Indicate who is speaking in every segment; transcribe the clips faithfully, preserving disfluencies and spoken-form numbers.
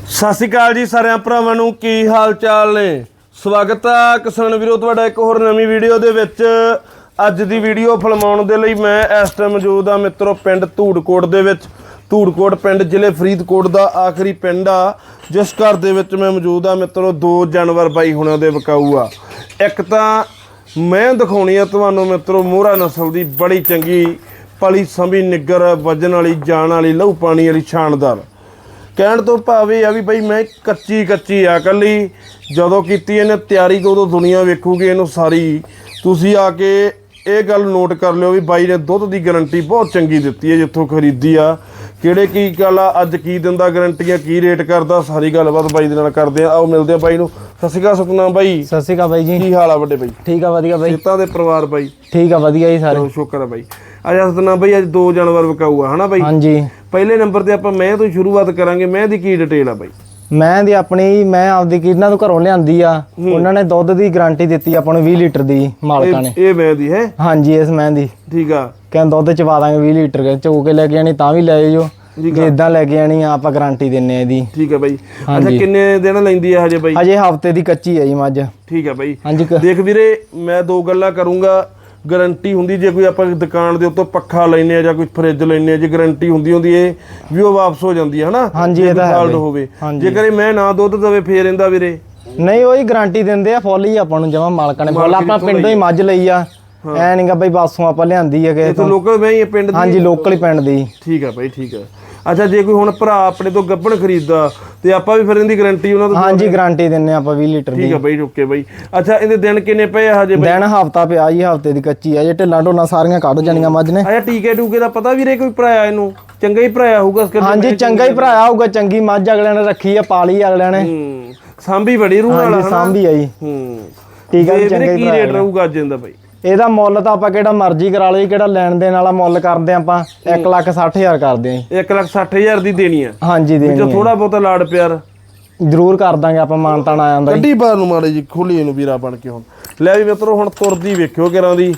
Speaker 1: ਸਤਿ ਸ਼੍ਰੀ ਅਕਾਲ ਜੀ ਸਾਰਿਆਂ ਭਰਾਵਾਂ ਨੂੰ, ਕੀ ਹਾਲ ਚਾਲ ਨੇ। ਸਵਾਗਤ ਆ ਕਿਸਾਨ ਵੀਰੋ ਤੁਹਾਡਾ ਇੱਕ ਹੋਰ ਨਵੀਂ ਵੀਡੀਓ ਦੇ ਵਿੱਚ। ਅੱਜ ਦੀ ਵੀਡੀਓ ਫਿਲਮਾਉਣ ਦੇ ਲਈ ਮੈਂ ਇਸ ਟਾਈਮ ਮੌਜੂਦ ਆ ਮਿੱਤਰੋ ਪਿੰਡ ਧੂੜਕੋਟ ਦੇ ਵਿੱਚ। ਧੂੜਕੋਟ ਪਿੰਡ ਜ਼ਿਲ੍ਹੇ ਫਰੀਦਕੋਟ ਦਾ ਆਖਰੀ ਪਿੰਡ ਆ, ਜਿਸ ਘਰ ਦੇ ਵਿੱਚ ਮੈਂ ਮੌਜੂਦ ਆ ਮਿੱਤਰੋ। ਦੋ ਜਾਨਵਰ ਬਾਈ ਹੁਣਾਂ ਦੇ ਵਿਕਾਊ ਆ। ਇੱਕ ਤਾਂ ਮੈਂ ਦਿਖਾਉਣੀ ਆ ਤੁਹਾਨੂੰ ਮਿੱਤਰੋ ਮੋਹਰਾ ਨਸਲ ਦੀ, ਬੜੀ ਚੰਗੀ ਪਲੀ ਸੰਭੀ ਨਿੱਗਰ ਵਜਨ वाली जान वाली लहू पानी वाली शानदार। कहण तो भाव यह आ भी बई मैं कच्ची कच्ची आ कली जदों कीती इहने तैयारी तो उदों दुनिया वेखूगी इहनूं सारी। तुसीं आके ये गल नोट कर लिओ भी बाई ने दुध की गारंटी बहुत चंगी दित्ती है जित्थों खरीदी आ। किहड़े की गल आ अज की दिंदा गारंटियां, की रेट करदा, सारी गलबात बाई दे नाल करदे आ। आओ मिलदे आ बाई नूं। सत श्री अकाल सतनाम बाई।
Speaker 2: सत श्री अकाल बाई जी,
Speaker 1: की हाल आ वड्डे बाई?
Speaker 2: ठीक आ वधिया बाई।
Speaker 1: सीतां दे परिवार बाई
Speaker 2: ठीक आ वधिया जी सारे।
Speaker 1: शुक्र है बाई। अज सतनाम बाई अज दो जानवर विकाऊ आ है ना बाई?
Speaker 2: हाँ जी।
Speaker 1: पहले नंबर ते आपां मैं तो शुरुआत करांगे। मैं दी की डिटेल आ बाई?
Speaker 2: मैं दी अपनी मैं आपदी किरना तो घरों लियांदी आ। उन्हां ने दुध दी गारंटी दित्ती आपां नूं बीस लीटर दी मालकां ने।
Speaker 1: ये मैं दी है? हाँ
Speaker 2: जी, इस मैं दी
Speaker 1: ठीक आ।
Speaker 2: कहंदे दुध चवा दांगे बीस लीटर के चो के लेके आनी तां भी ले जाओ, जे इदां लेके आनी आपां गारंटी दिन्ने इहदी। ठीक
Speaker 1: है बाई। अच्छा किन्ने दिन लैंदी है हजे बाई?
Speaker 2: हजे हफ्ते दी कच्ची है जी मੱਝ।
Speaker 1: ठीक है बाई।
Speaker 2: हाँ जी।
Speaker 1: देख वीरे मैं दो गल्लां करूंगा। गारंटी होंदी जे कोई आपां दुकान दे उत्तों पक्खा लैने आ जां कोई फ्रिज लैने आ, जे गारंटी होंदी होंदी ए भी वो वापस हो जांदी है ना। हाँ जी, ये तां है होवे। जेकर मैं ना दुध दवे फेर इंदा वीरे
Speaker 2: नहीं वही गारंटी दिंदे आ फुੱਲ ही आपां नूं जमा मालकां ने फुੱਲ आपां पिंडों ही मੱਝ ਲਈ ਆ। ਐ ਨਹੀਂਗਾ ਬਈ ਬਾਸੋਂ ਆਪਾਂ ਲਿਆਂਦੀ ਹੈ ਕਿ
Speaker 1: ਇਹ ਲੋਕਲ ਮੈਂ ਹੀ ਪਿੰਡ ਦੀ।
Speaker 2: ਹਾਂਜੀ ਲੋਕਲ ਹੀ ਪਿੰਡ ਦੀ।
Speaker 1: ਠੀਕ ਹੈ ਬਾਈ ਠੀਕ ਹੈ। ਅੱਛਾ ਜੇ ਕੋਈ ਹੁਣ ਭਰਾ ਆਪਣੇ ਤੋਂ ਗੱਭਣ ਖਰੀਦਦਾ ਤੇ ਆਪਾਂ ਵੀ ਫਿਰ ਇਹਦੀ ਗਾਰੰਟੀ ਉਹਨਾਂ ਤੋਂ? ਹਾਂਜੀ
Speaker 2: ਗਾਰੰਟੀ ਦਿੰਨੇ ਆਪਾਂ ਵੀਸ ਲੀਟਰ ਦੀ।
Speaker 1: ਠੀਕ ਹੈ ਬਾਈ ਓਕੇ ਬਾਈ। ਅੱਛਾ ਇਹਦੇ ਦਿਨ ਕਿੰਨੇ ਪਏ ਆ ਹਜੇ ਬਾਈ?
Speaker 2: ਦਿਨ ਹਫਤਾ ਪਿਆ ਜੀ, ਹਫਤੇ ਦੀ ਕੱਚੀ ਆ। ਜੇ ਢਿੱਲਾਂ ਢੋਲਾਂ ਸਾਰੀਆਂ ਕੱਢ ਜਾਣੀਆਂ ਮੱਝ ਨੇ।
Speaker 1: ਅੱਛਾ ਟੀਕੇ ਟੂਕੇ ਦਾ ਪਤਾ ਵੀਰੇ ਕੋਈ ਭਰਾਇਆ ਇਹਨੂੰ? ਚੰਗਾ ਹੀ ਭਰਾਇਆ ਹੋਊਗਾ।
Speaker 2: ਹਾਂਜੀ ਚੰਗਾ ਹੀ ਭਰਾਇਆ ਹੋਊਗਾ। ਚੰਗੀ ਮੱਝ ਅਗਲਿਆਂ ਨੇ ਰੱਖੀ ਆ, ਪਾਲੀ ਅਗਲਿਆਂ ਨੇ।
Speaker 1: ਹੂੰ ਸਾਂਭੀ ਬੜੀ ਰੂਹ ਨਾਲ
Speaker 2: ਹੈ। ਸਾਂਭੀ ਆ ਜੀ।
Speaker 1: ਹੂੰ
Speaker 2: ਠੀਕ ਹੈ। ਚੰਗਾ ਹੀ
Speaker 1: ਕੀ ਰੇਟ ਰਹੂਗਾ ਅੱਜ ਇਹਦਾ ਬਾਈ?
Speaker 2: ਇਹਦਾ ਮੁੱਲ ਤਾਂ ਆਪਾਂ ਕਿਹੜਾ ਮਰਜ਼ੀ ਕਰਾ ਲਈ, ਕਿਹੜਾ ਲੈਣ ਦੇਣ ਵਾਲਾ ਮੁੱਲ ਕਰਦੇ ਆਪਾਂ ਇੱਕ ਲੱਖ ਸੱਠ ਹਜ਼ਾਰ ਕਰਦੇ ਆਂ।
Speaker 1: ਇੱਕ ਲੱਖ ਸੱਠ ਹਜ਼ਾਰ ਦੀ ਦੇਣੀ ਆ? ਹਾਂਜੀ
Speaker 2: ਦੇਣੀ ਆ।
Speaker 1: ਥੋੜਾ ਬਹੁਤਾ ਲਾੜ ਪਿਆਰ
Speaker 2: ਜ਼ਰੂਰ ਕਰ ਦਾਂਗੇ ਆਪਾਂ, ਮਾਨਤਾਨ ਆ ਜਾਂਦਾ।
Speaker 1: ਗੱਡੀ ਬਾਹਰ ਨੂੰ ਮਾੜੇ ਜੀ ਖੋਲੀ ਇਹਨੂੰ ਵੀਰਾ ਬਣ ਕੇ। ਹੁਣ ਲੈ ਵੀ ਮਿੱਤਰੋ ਹੁਣ ਤੁਰਦੀ ਵੇਖਿਓ ਕਿਰਾਂ ਦੀ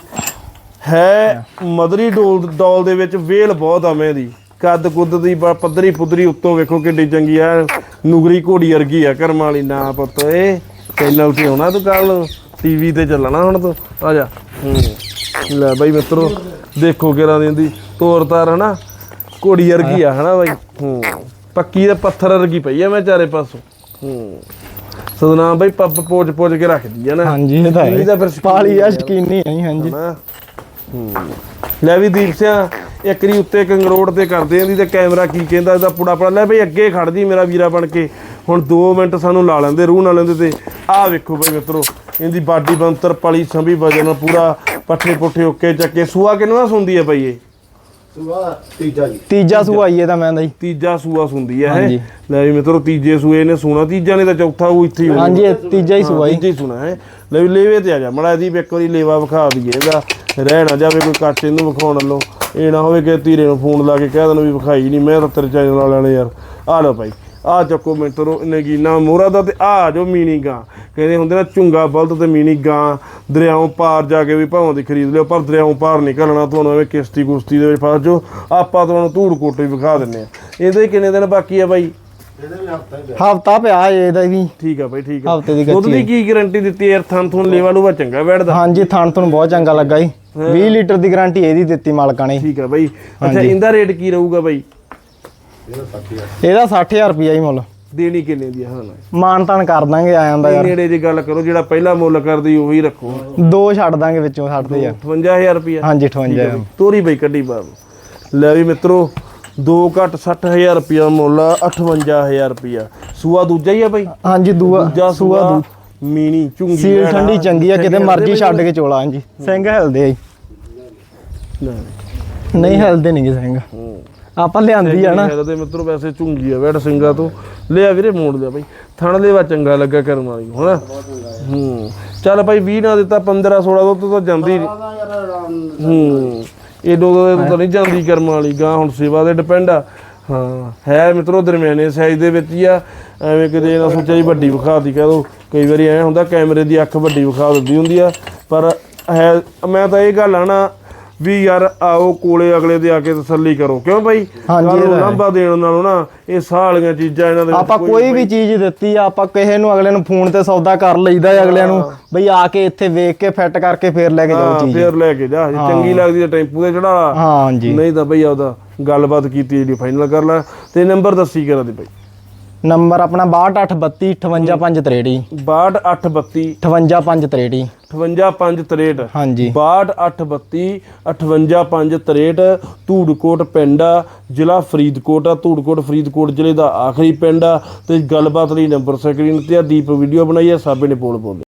Speaker 1: ਹੈ। ਮਦਰੀ ਡੋਲ ਡੋਲ ਦੇ ਵਿੱਚ ਵੇਲ ਬਹੁਤ ਆ ਮੈਂ ਦੀ, ਕੱਦ ਕੁੱਦ ਦੀ ਪੱਧਰੀ ਪੁੱਧਰੀ ਉੱਤੋਂ ਵੇਖੋ ਕਿੱਡੀ ਚੰਗੀ ਆ। ਨੁਗਰੀ ਘੋੜੀ ਵਰਗੀ ਆ ਕਰਮਾਂ ਵਾਲੀ। ਨਾ ਪੁੱਤ ਇਹ ਚੈਨਲ ਤੇ ਆਉਣਾ ਤੂੰ ਕੱਲ ਟੀਵੀ ਤੇ ਚੱਲਣਾ ਹੁਣ ਤੂੰ। ਆ ਜਾ। ਹੂੰ ਲੈ ਬਾਈ ਮਿੱਤਰੋ ਦੇਖੋ ਕਿਰਾਂ ਦੀ ਦੀ ਤੋਰ ਤਾਰ ਹਨਾ, ਘੋੜੀ ਵਰਗੀ ਆ ਹਨਾ ਬਾਈ। ਹੂੰ ਪੱਕੀ ਦੇ ਪੱਥਰ ਵਰਗੀ ਪਈ ਆ ਮੈਂ ਚਾਰੇ ਪਾਸੋਂ। ਹੂੰ ਸਤਨਾਮ ਬਾਈ ਪੱਪ ਪੋਚ ਪੋਚ ਕੇ ਰੱਖਦੀ ਆ ਨਾ। ਹਾਂਜੀ ਇਹ ਤਾਂ ਹੈ,
Speaker 2: ਪਾਲੀ ਆ ਸ਼ਕੀਨੀ ਹੈ। ਹਾਂਜੀ
Speaker 1: ਹੂੰ ਲੈ ਵੀ ਦੀਪ ਸਿਆ ਇੱਕ ਰੀ ਉੱਤੇ ਕੰਗਰੋੜ ਤੇ ਕਰਦੇ ਆਂਦੀ ਤੇ ਕੈਮਰਾ ਕੀ ਕਹਿੰਦਾ ਇਹਦਾ ਪੁੜਾ ਪੜਾ। ਲੈ ਬਈ ਅੱਗੇ ਖੜ ਜੀ ਮੇਰਾ ਵੀਰਾ ਬਣ ਕੇ। ਹੁਣ ਦੋ ਮਿੰਟ ਸਾਨੂੰ ਲਾ ਲੈਂਦੇ ਰੂਹ ਨਾਲ ਲੈਂਦੇ ਤੇ ਆਹ ਵੇਖੋ ਬਈ ਮਿੱਤਰੋ ਇਹਦੀ ਬਾਡੀ ਬੰਤਰ ਪਲੀ ਸੰਭੀ ਵਜਨ ਪੂਰਾ ਪੱਠੇ ਪੁੱਠੇ ਓਕੇ ਚੱਕੇ। ਸੂਆ ਕਿੰਨਾ ਸੁੰਦੀ ਹੈ ਬਈ ਇਹ?
Speaker 2: ਸੂਆ ਤੀਜਾ ਜੀ। ਤੀਜਾ ਸੂਆ ਹੀ ਇਹਦਾ ਮੈਂ ਦਾ ਜੀ।
Speaker 1: ਤੀਜਾ ਸੂਆ ਸੁੰਦੀ ਹੈ ਇਹ। ਲੈ ਵੀ ਮਿੱਤਰੋ ਤੀਜੇ ਸੂਏ ਨੇ ਸੋਣਾ, ਤੀਜਾ ਨੇ ਤਾਂ ਚੌਥਾ ਉਹ ਇੱਥੇ ਹੀ।
Speaker 2: ਹਾਂਜੀ ਤੀਜਾ ਹੀ ਸੂਆ
Speaker 1: ਤੀਜਾ ਹੀ ਸੁਣਾ ਹੈ। ਲੈ ਵੀ ਲੇਵੇ ਤੇ ਆ ਜਾ ਮੜਾ ਇਹਦੀ ਇੱਕ ਵਾਰੀ ਲੇਵਾ ਵਿਖਾ ਦਈਏ ਇਹਦਾ, ਰਹਿ ਨਾ ਜਾਵੇ ਕੋਈ ਕੱਟ ਇਹਨੂੰ ਵਿਖਾਉਣ ਲੋ। ਇਹ ਨਾ ਹੋਵੇ ਕਿ ਧੀਰੇ ਨੂੰ ਫੋਨ ਲਾ ਕੇ ਕਹਿ ਦੇਣ ਵੀ ਵਿਖਾਈ ਨਹੀਂ। ਮੈਂ ਤਾਂ ਤੇਰੇ ਚੈਨਲ ਵਾਲਿਆਂ ਨੇ ਯਾਰ ਆ ਲਓ ਭਾਈ ਆ ਚੱਕੋ ਮਿੱਤਰੋ ਨਗੀਨਾ ਮੋਹਰਾ ਦਾ। ਤੇ ਆ ਜੋ ਮੀਣੀ ਗਾਂ ਕਹਿੰਦੇ ਹੁੰਦੇ ਨਾ, ਝੁੰਗਾ ਬਲਦ ਤੇ ਮੀਣੀ ਗਾਂ ਦਰਿਆਓਂ ਪਾਰ ਜਾ ਕੇ ਵੀ ਭਾਵੇਂ ਦੀ ਖਰੀਦ ਲਿਓ, ਪਰ ਦਰਿਆਓਂ ਪਾਰ ਨਿਕਲਣਾ ਤੁਹਾਨੂੰ ਐਵੇਂ ਕਿਸ਼ਤੀ ਕੁਸ਼ਤੀ ਦੇ ਵਿੱਚ ਫਸ ਜਾਓ। ਆਪਾਂ ਤੁਹਾਨੂੰ ਧੂੜਕੋਟ ਵੀ ਵਿਖਾ ਦਿੰਦੇ ਆ। ਇਹਦੇ ਕਿੰਨੇ ਦਿਨ ਬਾਕੀ ਆ ਬਾਈ?
Speaker 2: ਹਫਤਾ ਪਿਆ ਇਹਦਾ ਵੀ। ਠੀਕ
Speaker 1: ਆ ਬਾਈ ਠੀਕ ਆ।
Speaker 2: ਹਫਤੇ ਦੀ
Speaker 1: ਦੁੱਧ ਦੀ ਕੀ ਗਾਰੰਟੀ ਦਿੱਤੀ ਯਾਰ? ਥਣ ਥਣ ਲੇਵਾ ਲੂਵਾ ਚੰਗਾ ਬੈਠਦਾ? ਹਾਂਜੀ
Speaker 2: ਥਣ ਥਣ ਬਹੁਤ ਚੰਗਾ ਲੱਗਾ ਜੀ। ਵੀਸ ਲੀਟਰ ਦੀ ਗਾਰੰਟੀ ਇਹਦੀ ਦਿੱਤੀ ਮਾਲਕਾਂ ਨੇ।
Speaker 1: ਠੀਕ ਆ ਬਾਈ। ਅੱਛਾ ਇਹਦਾ ਰੇਟ ਕੀ ਰਹੂਗਾ ਬਾਈ?
Speaker 2: ਇਹਦਾ ਸੱਠ ਹਜ਼ਾਰ ਰੁਪਿਆ ਹੀ ਮੁੱਲ।
Speaker 1: ਦੇਣੀ ਕਿੰਨੇ ਦੀ? ਹਾਂ
Speaker 2: ਮਾਨਤਾਨ ਕਰ ਦਾਂਗੇ ਆ ਜਾਂਦਾ ਯਾਰ।
Speaker 1: ਨੇੜੇ ਦੀ ਗੱਲ ਕਰੋ, ਜਿਹੜਾ ਪਹਿਲਾ ਮੁੱਲ ਕਰਦੀ ਉਹੀ ਰੱਖੋ।
Speaker 2: ਦੋ ਛੱਡ ਦਾਂਗੇ ਵਿੱਚੋਂ ਛੱਡ ਦੇ ਯਾਰ।
Speaker 1: ਅਠਵੰਜਾ ਹਜ਼ਾਰ ਰੁਪਿਆ? ਹਾਂਜੀ
Speaker 2: ਅਠਵੰਜਾ ਹਜ਼ਾਰ।
Speaker 1: ਤੋਰੀ ਬਾਈ ਕੱਢੀ ਬਾਬ। ਲੈ ਵੀ ਮਿੱਤਰੋ ਦੋ ਘੱਟ ਸੱਠ ਹਜ਼ਾਰ ਰੁਪਿਆ ਮੁੱਲ, ਅਠਵੰਜਾ ਹਜ਼ਾਰ ਰੁਪਿਆ। ਸੂਆ ਦੂਜਾ ਹੀ ਆ ਬਾਈ? ਹਾਂਜੀ ਦੂਜਾ ਸੂਆ ਮੀਣੀ ਝੁੰਗੀ
Speaker 2: ਸੀਲ ਠੰਡੀ ਚੰਗੀ ਆ, ਕਿਤੇ ਮਰਜੀ ਛੱਡ ਕੇ ਚੋਲਾ। ਹਾਂਜੀ ਸਿੰਘ ਹਿਲਦੇ ਆ ਨਹੀਂ ਹਿਲਦੇ ਨਹੀਂ ਸਿੰਘ, ਆਪਾਂ ਲਿਆਂਦੀ ਆ ਨਾ
Speaker 1: ਤੇ ਮਿੱਤਰੋ। ਵੈਸੇ ਝੁੰਗੀ ਆ ਵੈੜ ਸਿੰਘਾਂ ਤੋਂ ਲਿਆ ਵੀਰੇ, ਮੋੜ ਲਿਆ ਬਾਈ। ਥਣ ਲੈਵਾ ਚੰਗਾ ਲੱਗਾ ਕਰਮ ਵਾਲੀ ਹੁਣ। ਹੂੰ ਚੱਲ ਭਾਈ ਵੀਹ ਨਾ ਦਿੱਤਾ ਪੰਦਰਾਂ ਸੋਲਾਂ ਦੁੱਧ ਤਾਂ ਜਾਂਦੀ। ਹੂੰ ਏਡੋ ਤਾਂ ਨਹੀਂ ਜਾਂਦੀ ਕਰਮ ਵਾਲੀ ਗਾਂ। ਹੁਣ ਸੇਵਾ ਤੇ ਡਿਪੈਂਡ ਆ। ਹਾਂ ਹੈ ਮਿੱਤਰੋ ਦਰਮਿਆਨੇ ਸਾਈਜ਼ ਦੇ ਵਿੱਚ ਹੀ ਆ। ਐਵੇਂ ਕਿਤੇ ਨਾ ਸੋਚਿਆ ਜੀ ਵੱਡੀ ਵਿਖਾ ਦੀ ਕਹਿ ਦੋ। ਕਈ ਵਾਰੀ ਐਂ ਹੁੰਦਾ ਕੈਮਰੇ ਦੀ ਅੱਖ ਵੱਡੀ ਵਿਖਾ ਦਿੰਦੀ ਹੁੰਦੀ ਆ, ਪਰ ਹੈ ਮੈਂ ਤਾਂ ਇਹ ਗੱਲ ਆ ਨਾ ਵੀ ਯਾਰ ਆਓ ਕੋਲੇ ਅਗਲੇ ਦੇ ਆ ਕੇ ਤਸੱਲੀ ਕਰੋ, ਕਿਉਂ ਬਾਈ?
Speaker 2: ਹਾਂਜੀ, ਇਹ ਤਾਂ ਹੈ।
Speaker 1: ਲਾਂਭਾ ਦੇਣ ਨਾਲੋਂ ਨਾ ਇਹ ਸਾਹ ਵਾਲੀਆਂ ਚੀਜ਼ਾਂ ਇਹਨਾਂ ਦੇ ਵਿੱਚ
Speaker 2: ਆਪਾਂ ਕੋਈ ਵੀ ਚੀਜ਼ ਦਿੱਤੀ ਆ, ਆਪਾਂ ਕਿਸੇ ਨੂੰ ਅਗਲੇ ਨੂੰ ਫੋਨ ਤੇ ਸੌਦਾ ਕਰ ਲਈਦਾ ਹੈ ਅਗਲਿਆਂ ਨੂੰ ਬਈ ਆ ਕੇ ਇੱਥੇ ਵੇਖ ਕੇ ਫਿੱਟ ਕਰਕੇ ਫੇਰ ਲੈ ਕੇ ਜਾਓ ਚੀਜ਼।
Speaker 1: ਫੇਰ ਲੈ ਕੇ ਜਾ, ਜੇ ਚੰਗੀ ਲੱਗਦੀ ਤਾਂ ਟੈਂਪੂ ਤੇ ਚੜਾ,
Speaker 2: ਹਾਂਜੀ
Speaker 1: ਨਹੀਂ ਤਾਂ ਬਈ ਆਪਦਾ ਗੱਲਬਾਤ ਕੀਤੀ ਜਿਹੜੀ ਫਾਈਨਲ ਕਰ ਲੈ। ਤੇ ਨੰਬਰ ਦੱਸੀ ਕਰਾ ਦੇ ਬਈ।
Speaker 2: ਨੰਬਰ ਆਪਣਾ ਬਾਹਠ ਅੱਠ ਬੱਤੀ ਅਠਵੰਜਾ ਪੰਜ ਤਰੇਹਠ
Speaker 1: ਬਾਹਠ ਅੱਠ ਬੱਤੀ
Speaker 2: ਅਠਵੰਜਾ ਪੰਜ ਤਰੇਹਠ
Speaker 1: ਅਠਵੰਜਾ ਪੰਜ ਤਰੇਹਠ
Speaker 2: ਹਾਂਜੀ
Speaker 1: ਬਾਹਠ ਅੱਠ ਬੱਤੀ ਅਠਵੰਜਾ ਪੰਜ ਤਰੇਹਠ ਧੂੜਕੋਟ ਪਿੰਡ ਆ, ਜ਼ਿਲ੍ਹਾ ਫਰੀਦਕੋਟ ਆ। ਧੂੜਕੋਟ ਫਰੀਦਕੋਟ ਜ਼ਿਲ੍ਹੇ ਦਾ ਆਖਰੀ ਪਿੰਡ ਆ। ਤੇ ਗੱਲਬਾਤ ਲਈ ਨੰਬਰ ਸਕਰੀਨ ਤੇ ਆ। ਦੀਪ ਵੀਡੀਓ ਬਣਾਈ ਆ, ਸਾਬੇ ਨੇ ਪੋਲ ਪਾਉਂਦੇ।